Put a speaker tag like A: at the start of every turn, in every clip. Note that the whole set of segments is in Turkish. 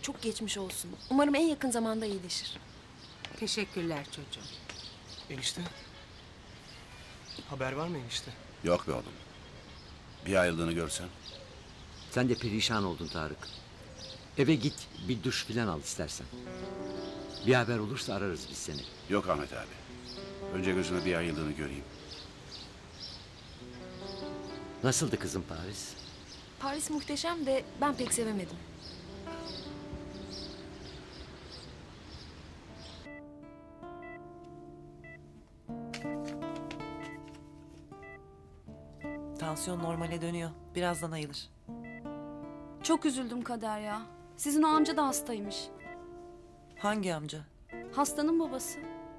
A: Çok geçmiş olsun. Umarım en yakın zamanda iyileşir.
B: Teşekkürler çocuğum.
C: Enişte. Haber var mı enişte?
D: Yok be oğlum. Bir ayrıldığını görsen.
E: Sen de perişan oldun Tarık. Eve git, bir duş filan al istersen. Bir haber olursa ararız biz seni.
D: Yok Ahmet abi. Önce gözüme bir ayrıldığını göreyim.
E: Nasıldı kızım Paris?
A: Paris muhteşem de ben pek sevemedim.
F: Tansiyon normale dönüyor. Birazdan ayılır.
G: Çok üzüldüm Kader ya. Sizin o amca da hastaymış.
F: Hangi amca?
G: Hastanın babası.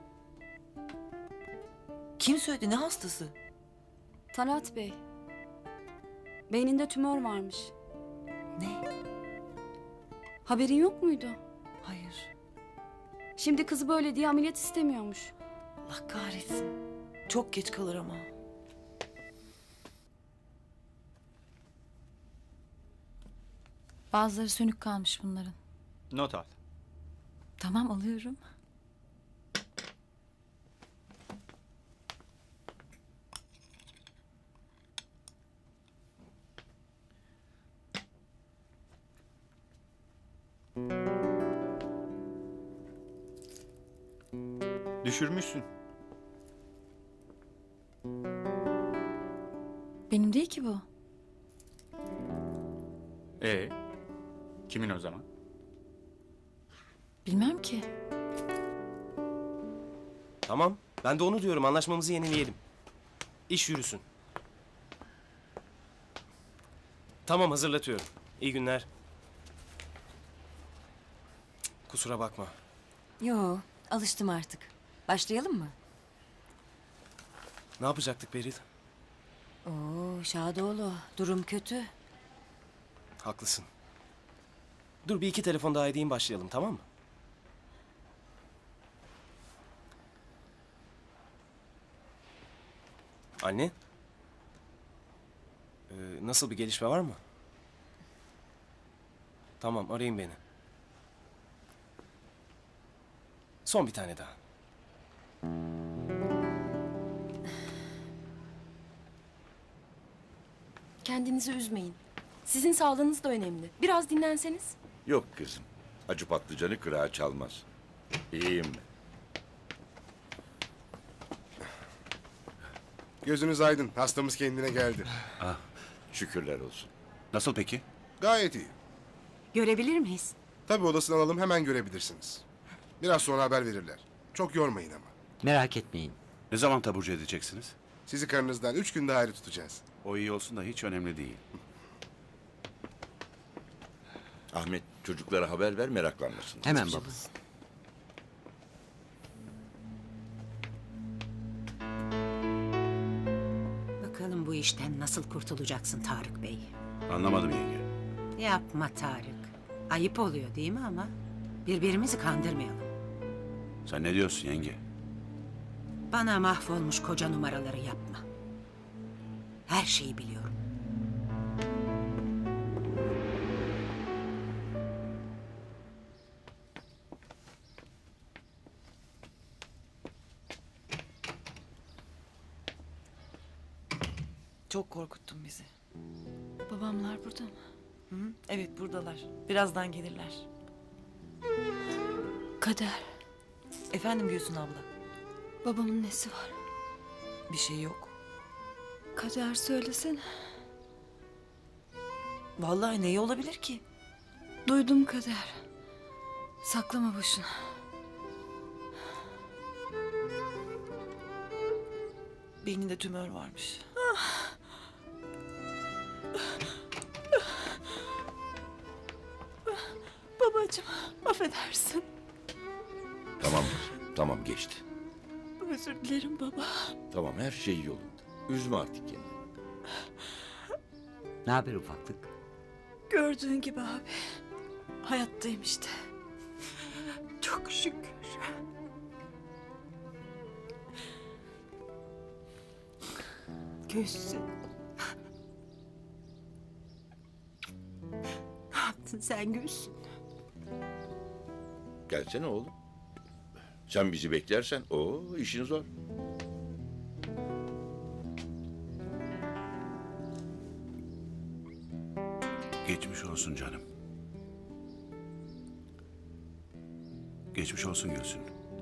F: Kim söyledi? Ne hastası?
G: Talat Bey. Beyninde tümör varmış.
F: Ne?
G: Haberin yok muydu?
F: Hayır.
G: Şimdi kızı böyle diye ameliyat istemiyormuş.
F: Allah kahretsin. Çok geç kalır ama.
H: Bazıları sönük kalmış bunların.
I: Not al.
H: Tamam, alıyorum.
I: Düşürmüşsün.
H: Benim değil ki bu.
I: Kimin o zaman?
H: Bilmem ki.
C: Tamam. Ben de onu diyorum. Anlaşmamızı yenileyelim. İş yürüsün. Tamam, hazırlatıyorum. İyi günler. Kusura bakma.
J: Yo, alıştım artık. Başlayalım mı?
C: Ne yapacaktık Beril?
J: Oo, Şadoğlu, durum kötü.
C: Haklısın. Dur, bir iki telefon daha edeyim, başlayalım, tamam mı? Anne? Nasıl, bir gelişme var mı? Tamam, arayın beni. Son bir tane daha.
A: Kendinizi üzmeyin. Sizin sağlığınız da önemli. Biraz dinlenseniz.
K: Yok kızım. Acı patlıcanı kırağa çalmaz. İyiyim ben.
L: Gözünüz aydın. Hastamız kendine geldi.
K: Şükürler olsun.
D: Nasıl peki?
L: Gayet iyi.
B: Görebilir miyiz?
L: Tabii odasını alalım, hemen görebilirsiniz. Biraz sonra haber verirler. Çok yormayın ama.
E: Merak etmeyin.
D: Ne zaman taburcu edeceksiniz?
L: Sizi karınızdan 3 günde ayrı tutacağız.
D: O iyi olsun da hiç önemli değil.
K: Ahmet, çocuklara haber ver, meraklanmasın.
E: Hemen baba.
B: Bakalım bu işten nasıl kurtulacaksın Tarık Bey?
D: Anlamadım yenge.
B: Yapma Tarık. Ayıp oluyor değil mi ama? Birbirimizi kandırmayalım.
D: Sen ne diyorsun yenge?
B: Bana mahvolmuş koca numaraları yapma. Her şeyi biliyorum.
F: Çok korkuttun bizi.
H: Babamlar burada mı?
F: Hı hı. Evet, buradalar. Birazdan gelirler.
H: Kader,
F: Efendim Gülsün abla.
H: babamın nesi var?
F: Bir şey yok.
H: Kader söylesene.
F: Vallahi neyi olabilir ki?
H: Duydum Kader. Saklama boşuna.
F: Beyninde tümör varmış.
H: Babacığım, affedersin.
K: Tamam kızım, tamam geçti.
H: Özür dilerim baba.
K: Tamam, her şey yolunda. Üzme artık kendini.
E: Ne haber ufaklık?
H: Gördüğün gibi abi. Hayattayım işte. Çok şükür.
B: Gülsün. Ne yaptın sen Gülsün?
K: Gelsene oğlum. Sen bizi beklersen o işin zor.
D: Geçmiş olsun canım. Geçmiş olsun Gülsün.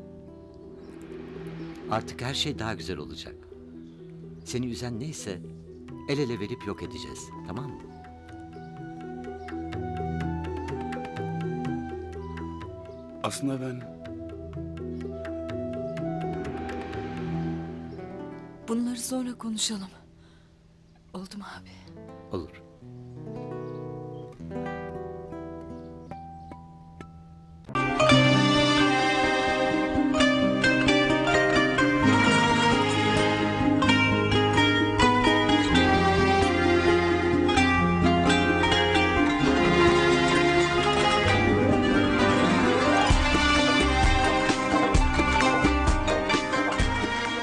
E: Artık her şey daha güzel olacak. Seni üzen neyse el ele verip yok edeceğiz. Tamam mı?
D: Aslında ben
H: Bunları sonra konuşalım. Oldu mu abi?
E: Olur.